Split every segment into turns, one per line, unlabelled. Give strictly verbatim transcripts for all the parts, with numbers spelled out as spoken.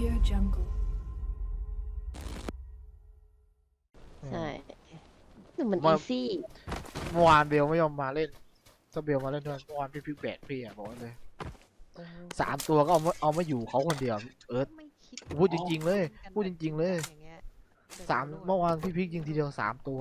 Audio Jungle
ใช่แต่มัน
ว่า
อีซี่
เมื่อวานเบลไม่ยอมมาเล่นถ้าเบลมาเล่นด้วยเมื่อวานพี่พิกแบดพี่อ่ะบอกเลยสามตัวก็เอามาเอามาอยู่เขาคนเดียวเอิร์ธ
ไม่คิด
พูดจริงๆเลยพูดจริงๆเลย
อย่างเงี้ยดี๋ยว
สาม
จะรู้
เมื่อวานพี่พิกยิงทีเดียวสามตัว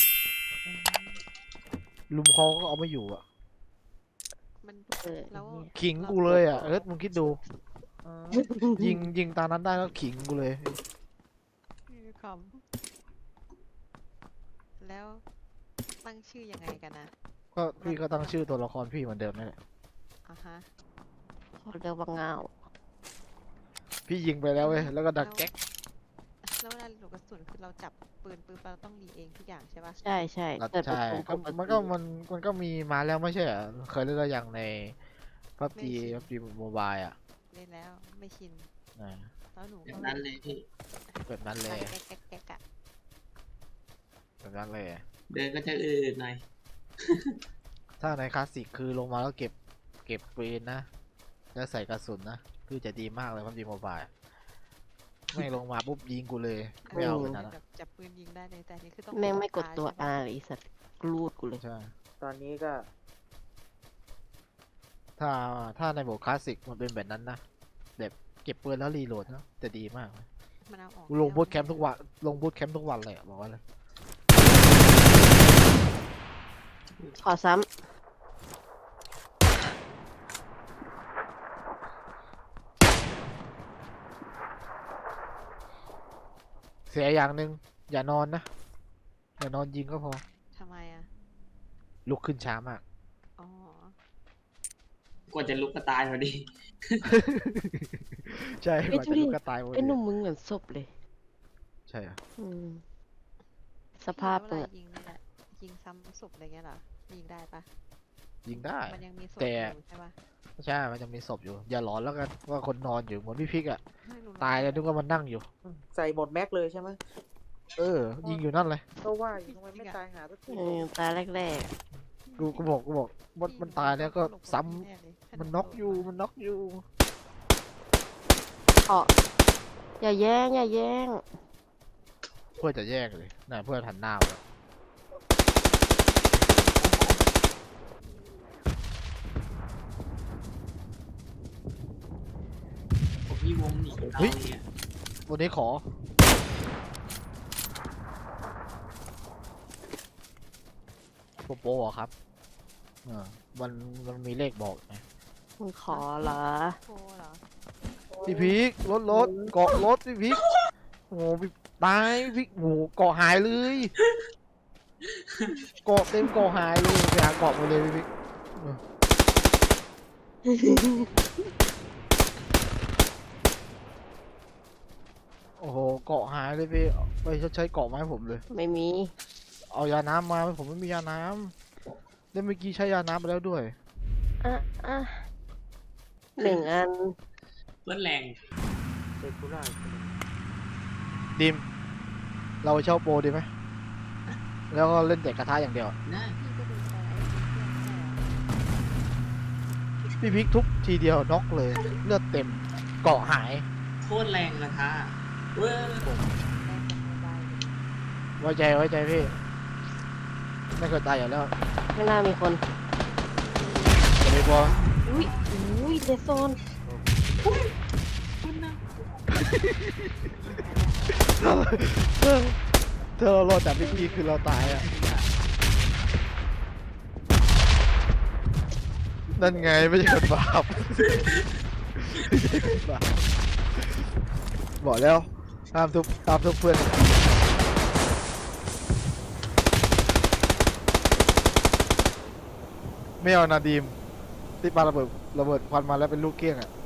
ลุมเขาก็เอามาอยู่อ่ะ
มัน
เออ
แล้ว
ขิงกูเลยอ่ะเอิร์ธมึงคิดดู ยิงยิงตานั้นได้ก็ขิงกูเลย
มีคำแล้วตั้งชื่อยังไงกันนะ
ก็พี่ก็ตั้งชื่อตัวละครพี่เหมือนเดิมนั่นแหละ
อ่ะฮะ
เขาเรียกว่าเงา
พี่ยิงไปแล้วเว้ยแล้วก็ดักแก๊ก
แล้วเวลาหลูกกระสุนคือเราจับปืนปืนเราต้องรีเองทุกอย่างใช่ปะ
ใช่ใช่
แล้ว
เกิด
ใช่
เป็น
ก็
ปกติ
มันก็มันมันก็มีมาแล้วไม่ใช่เหรอเคยเล่นแล้วยังในพับจีพับจีโมบายอ่ะ
เล่นแล้วไม่ชิน
อ่า
แล้วหนู
แบ
ก็
บนั้นเลยพี่
แบบนั้นเลย
แก๊กแก๊กแก๊กอะ
แบบนั้นเลย
เดินก็จะอืดๆหน่อย
ถ้าในคลาสสิกคือลงมาแล้วเก็บเก็บปืนนะแล้วใส่กระสุนนะคือจะดีมากเลยพับจีโมบายไม่ลงมาปุ๊บยิงกูเลยไม่เอาขนาดนั้น
แบบจับปืนยิงได้เลยแต่อันนี่คือต้อง
แม่งไม่กดตัว
ใช่ปะ
อาเลยไอ้สัตว์กรูดกูเลย
ใช่
ตอนนี้ก็
ถ้าถ้าในโหมดคลาสสิกมันเป็นแบบนั้นนะแบบเก็บปืนแล้วรีโหลดนะจะดีมากเลย
มันเอาออก
ลงบูทแคมป์ทุกวันลงบูทแคมป์ทุกวันเลยอะบอกว่าเลย
ขอซ้
เสียอย่างหนึ่งอย่านอนนะอย่านอนยิงก็พอ
ทำไมอะ
ลุกขึ้นช้ามาก
อ๋อ
กว่าจะลุกก็ตายพอดี
ใช่กว่าจะลุกก็ตายหม
ำ
ด
ไอ้ห
เล
นุ่
ย
มมึงเหมือนศพเลย
ใช่อะ
อืมสภาพ
พี่
มึง
เว
อะ
ลายิงนี่แหละยิงซ้ำศพอะไรเงี้ยเหรอยิงได้ปะ
ยิงได้
มันยังมีศพ
แต่
อยู่ใช่ปะ
ใช่ มันจะมีศพอยู่ อย่าหลอนแล้วกันว่าคนนอนอยู่เหมือนพี่พิกอะ
ไม่รู้
ตายแล้วนึกว่ามันนั่งอยู่
ใส่หมดแม็กเลยใช่ไหม
เออ ยิงอยู่นั่นเลย
ก็ว่าอยู่ทำไมไม่ตายหาสักที
เออตาแรก
กูกูบอกกูบอกมันมันตายแล้วก็ซ้ำ
แเลยถ้า
มันน็อกอยู่มันน็อกอยู่
ๆเอ๋ออย่าแย่งอย่าแย่ง
เพื่อจะแยกเลยน่ะเพื่อนหันหน้ามาแล้ว
ผมพี่วงหนีเราเนี่ย
วันนี้ขอโปโปเหรอครับเออมันมันมีเลขบอกไหม
มึงขอเหรอ
โทรเหรอ
พี่พิกรถรถเกาะรถพี่พิกโอ้โหพี่ตายพี่พิกโอ้โหเกาะหายเลยเกาะเต็มเกาะหายเลยไปหาเกาะมาเลยพี่พิกเออโอ้โหเกาะหายเลยพี่ไปชดใช้เกาะมาให้ผมเลย
ไม่มี
เอายาน้ำมาผมไม่มียาน้ำแล้วเมื่อกี้ใช้ยาน้ำไปแล้วด้วย
อ่ะอ่ะหนึ่งอัน
เพื่อนแรง
เด็กกูได้
ดิม เราเช่าโปรดีไหมแล้วก็เล่นแต่กระทะอย่างเดียว
นะ
พี่ก็ดูไปไอ้เพื่อนแค่
พี่พิกทุบทีเดียวน็อกเลย เลือดเต็มเกาะหาย
โคตรแรงกระทะเว้ย
แรกจากโมบายเลย
ไว้ใจไว้ใจพี่ ไม่เคยตายอยู่แล้ว
ไม่น่ามีคน
จะไม่กลัว
อุ้ยอุ้ยเดซโซน
ถ้าเรารอดจากพี่พีคือเราตายอ่ะ นั่นไงไม่ใช่คนบาปไม่ใช่คนบาปบอกแล้วห้ามทุบห้ามทุบเพื่อน ไม่เอานาดีมที่ปาระเบิดระเบิดควันมาแล้วเป็นลูกเกี้ยงอ่ะ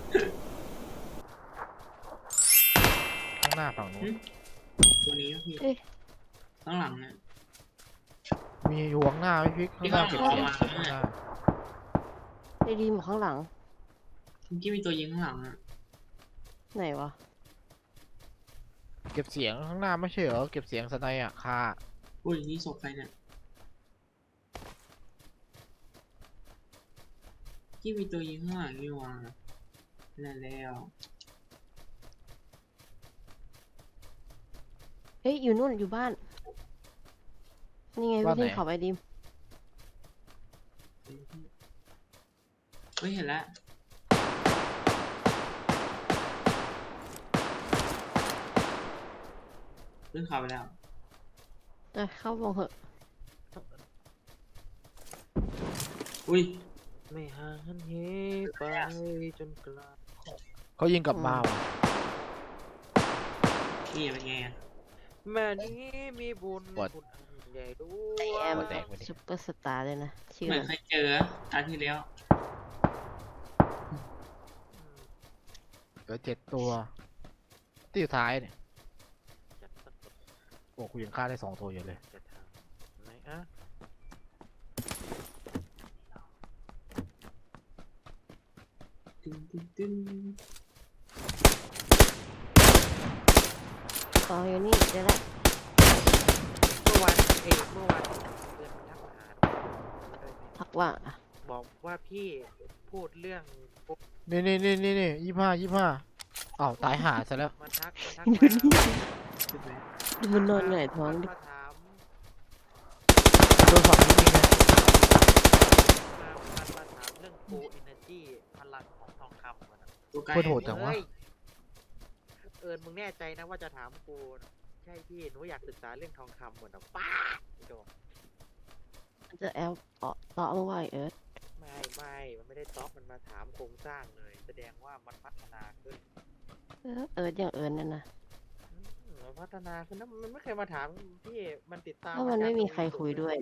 ข้างหน้าฝั่งนู้น
ตัวนี้พี่
เอ๊ะ
ข้างหลังเนี่ย
มีอยู่ข้างหน้าไม่พลิกข้างหน้าเก็บเสียงข้างหน้า
ไอ้ดีมอยู่ข้างหลัง
เมื่อกี้มีตัวยิงข้างหลังอ่ะ
ไหนวะ
เก็บเสียงข้างหน้าไม่ใช่เหรอเก็บเสียงสไนอ่ะคา
อุ้ยนี่ศพใครเนี่ยที่มีตัวยิงข้างหลังนี่หว่านั่นแล้ว
เฮ้ยอยู่นู่นอยู่บ้าน นี่ไง
บ้าน
วิ่ง
ไหน
เขาไปดิม
เฮ้ยเห็นแล้วเรื่องข่าวไปแล้ว
เอ้ยเข้าวงเหอะ
อุ้ย
ไม่ห่างเหไปจนไกล
เขายิงกลับมาว่ะ
นี่เป็นไงอะ
แม่นี้มีบุญบุญอันใหญ่ด้ว
ไอย แอม
หัวแตกไปดิ
ซุปเปอร์สตาร์เลยนะ ชื่อ
เหมือน
มัน
เคยเจอตาที่แล้ว
เหลือเจ็ดตัวที่สุดท้ายเนี่ย
จัดสัก
โอ้กูยังฆ่าได้สองตัวอยู่เลย
จะทางไหนอ่ะ
ตึ้งตึ้งตึ้ง
ต่ออยู่นี่เดี๋ยวละ
เมื่อวานเอยเมื่อวานเพื่อนมันทักมาหาด้วย
ทักว่าอะ
บอกว่าพี่พูดเรื่องปุ๊บ
นี่นี่นี่นี่นี่ยี่ห้ายี่ห้าอ้าวตายหาซะแล้ว
มันทักมันทัก
ดู
มา
นี่
ใช่ไหม
ดูมันนอนหงายท้องดิ
มาถาม
โดนฝั่งนี้ยิงนะ
มามันมาถามเรื่อง Go Energy พลังของทองคำมันอะ
ตัวใกล้
โคตรโหดจังวะ
เฮ้ยเอิญมึงแน่ใจนะว่าจะถามกูนะใช่พี่หนูอยากศึกษาเรื่องทองคำเหมือนแบบป้าโด
มันจะแอลเตาะเตาะมึงว่าไอ้เอิร์ธ
ไม่ไม่มันไม่ได้ต๊อกมันมาถามโครงสร้างเลย แสดงว่ามันพัฒนาขึ้น
เออเอิร์ธอย่างเอิร์ธนั่นนะ
อืมมันพัฒนาขึ้นนะมันไม่เคยมาถามพี่มันติดตาม
เพราะมันไม่มีใครคุยด้วย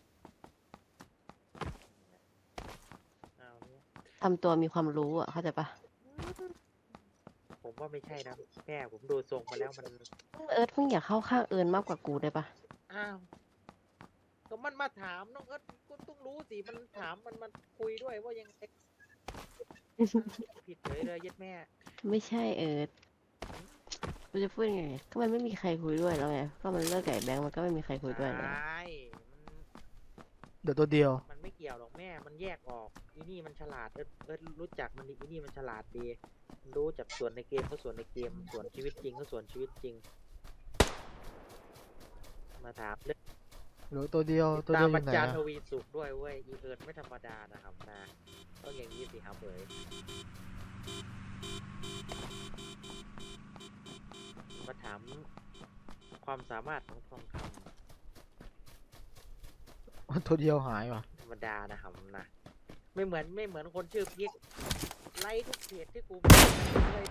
เอาเนี่ย
ทำตัวมีความรู้อ่ะเข้าใจปะ
ผมว่าไม่ใช่นะแม่ผมดูทรงมาแล้วมัน
เอิร์ธมึงอยากเข้าข้างเอิร์ธมากกว่ากูได้ปะ
อ้าวก็มันมาถามน้องเอิร์ธก็ต้องรู้สิมันถามมันมันคุยด้วยว่ายังไงผิดเลยเลยยัดแม่
ไม่ใช่เอิร์ธกูจะพูดยังไงก็มันไม่มีใครคุยด้วยแล้วไงก็มันเลิกไก่แบงค์มันก็ไม่มีใครคุยด้วยเลย
ใช่มัน
เดี๋ยวตัวเดียว
มันไม่เกี่ยวหรอกแม่ มันแยกออก อีนี่มันฉลาด เอิร์ธเอิร์ธรู้จักมันดีอีนี่มันฉลาดดีมันรู้จักส่วนในเกมก็ส่วนในเกม ส่วนชีวิตจริงก็ส่วนชีวิตจริง มาถามเรื่อง
เหลือตัวเดียวตัว
ตา
เดี
ม
ยวอ
บัญ
ยู่ไหน
จาร
อะ
ทวีสุขด้วยเว้ย อีเอิร์ธไม่ธรรมดานะครับนะต้องอย่างนี้สิครับเอ๋ยมาถามความสามารถของทองค
ตัวเดียวหายว่ะ
ำธรรมดานะครับนะ ไม่เหมือนไม่เหมือนคนชื่อพิกไลค์ทุกเพจที่กูเคยดู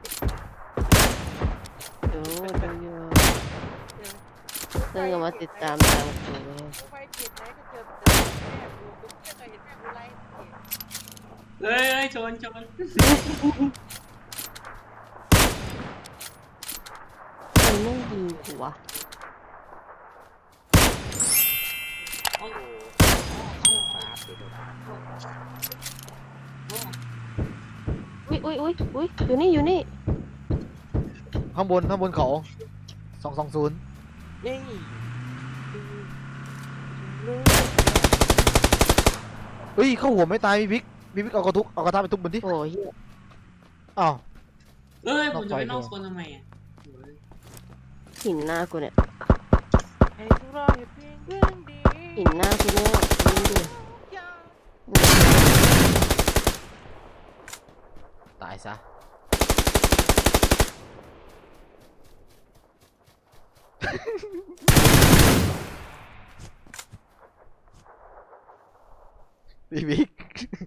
ดูดูอยู่
เนี่ย
เพิ่งเอามาติดตามตามกูเลย
กูไปเพจไหนก็เจอแต่แม่กูกูไม่เคยเห็นแม่กูไลค์เพจ
เฮ้ยเฮ้ยชนชน
ใครแม่งยิงกูวะ
โอ้โหบาปเดี๋ยวเดี๋ยว
อุ้ยอุ้ยอุ้ยอุ้ยอยู่นี่อยู่นี่
ข้างบนข้างบนเขาสองสองศูนย์
เย้ย
เฮ้ยเข้าหัวไม่ตายพี่บิ๊กพี่บิ๊กเอากระทุกเอากระทะไปทุบบนที่
โอ้ยเหี้ย
อ้าว
เอ้ยผมจะไปน
น
อ
อก ก
โซ
ไฟ
นทำไมอ่ะโอ้ย
หินหน้ากูเนี่ย
ให้ทุกรอยเพียงเรื่องดี
หินหน้ากูเนี่ยยิงดิ
อย่า
ตายซะพี่บิ๊ก